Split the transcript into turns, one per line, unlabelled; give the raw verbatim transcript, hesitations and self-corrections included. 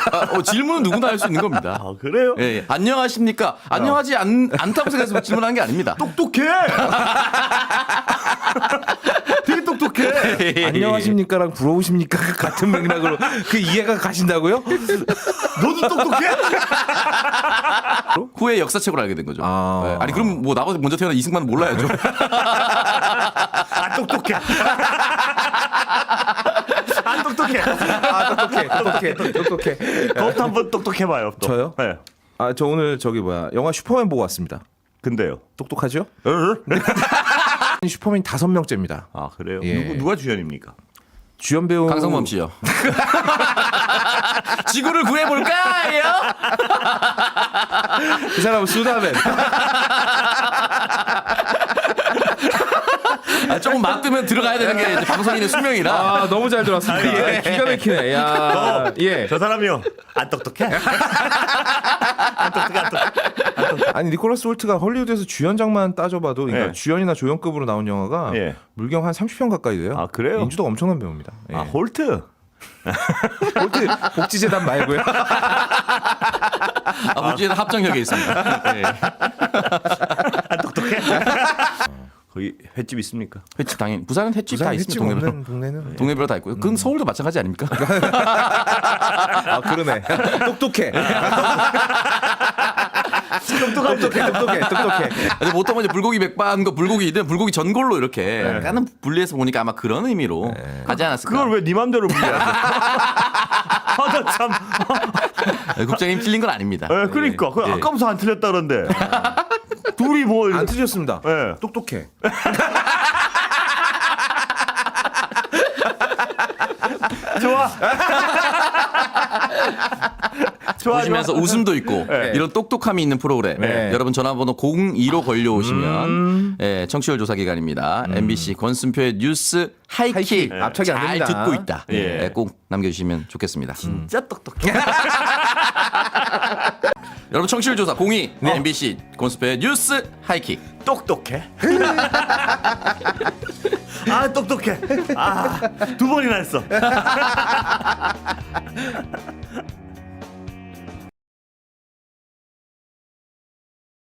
아, 어, 질문은 누구나 할 수 있는 겁니다.
아, 그래요?
예, 예. 안녕하십니까? 안녕하지 않, 않다고 생각해서 질문한 게 아닙니다.
똑똑해. 되게 똑똑해.
안녕하십니까랑 부러우십니까 같은 맥락으로 그 이해가 가신다고요?
너도 똑똑해?
후에 역사책으로 알게 된 거죠.
아.
네. 아니 그럼 뭐 나보다 먼저 태어난 이승만은 몰라야죠.
아, 똑똑해. 안 똑똑해.
아 똑똑해 똑똑해 똑똑해.
그것도 한번 똑똑해봐요. 또.
저요?
네.
아 저 오늘 저기 뭐야 영화 슈퍼맨 보고 왔습니다.
근데요.
똑똑하죠?
어?
슈퍼맨 다섯 명째입니다.
아, 그래요?
예.
누구, 누가 주연입니까?
주연 배우
강성범 씨요. 지구를 구해볼까요?
그 사람은 수다맨.
아, 조금 맞으면 들어가야 되는 게 이제 방송인의 수명이라.
아 너무 잘 들었습니다.
아, 예.
기가 막히네. 야 예.
저 사람이요. 안 똑똑해? 안 똑똑해, 안 똑똑해.
아니 니콜라스 홀트가 헐리우드에서 주연장만 따져봐도 그러니까
예.
주연이나 조연급으로 나온 영화가
예.
물경 한 삼십 편 가까이 돼요.
아, 그래요?
인지도가 엄청난 배우입니다. 예.
아, 홀트.
홀트 복지재단 말고요.
아, 물질은 합정역에 있습니다. 네.
안 똑똑해? 거기 횟집 있습니까?
횟집 당연히 부산은 횟집 다
부산
있습니다.
횟집
동네별로.
없는 동네는
동네별로 다 있고요. 그건 서울도 마찬가지 아닙니까?
아 그러네. 똑똑해.
똑똑한
똑똑해. 똑똑해. 똑똑해.
근데 보통 이제 불고기 백반과 불고기든 불고기 전골로 이렇게 약간은 분리해서 보니까 아마 그런 의미로 하지 않았을까.
그걸 왜 네 맘대로 분리하세요? 아, 나 참.
네, 국장님 틀린 건 아닙니다.
예, 그러니까. 그
예.
아까부터 안 틀렸다 그러는데. 둘이 뭐.
안 틀렸습니다.
예.
똑똑해.
좋아. 좋아.
보시면서
좋아.
웃음도 있고
네.
이런 똑똑함이 있는 프로그램
네.
여러분 전화번호 공이로 걸려오시면
음.
예, 청취율 조사 기간입니다. 엠비씨 권순표의 뉴스 하이킥
하이킥. 앞차기 안
잘
됩니다.
듣고 있다.
예.
예, 꼭 남겨주시면 좋겠습니다.
진짜 똑똑해.
여러분 청취율 조사 공이 엠비씨 권순표의 뉴스 하이킥.
똑똑해. 아, 똑똑해. 아, 두 번이나 했어.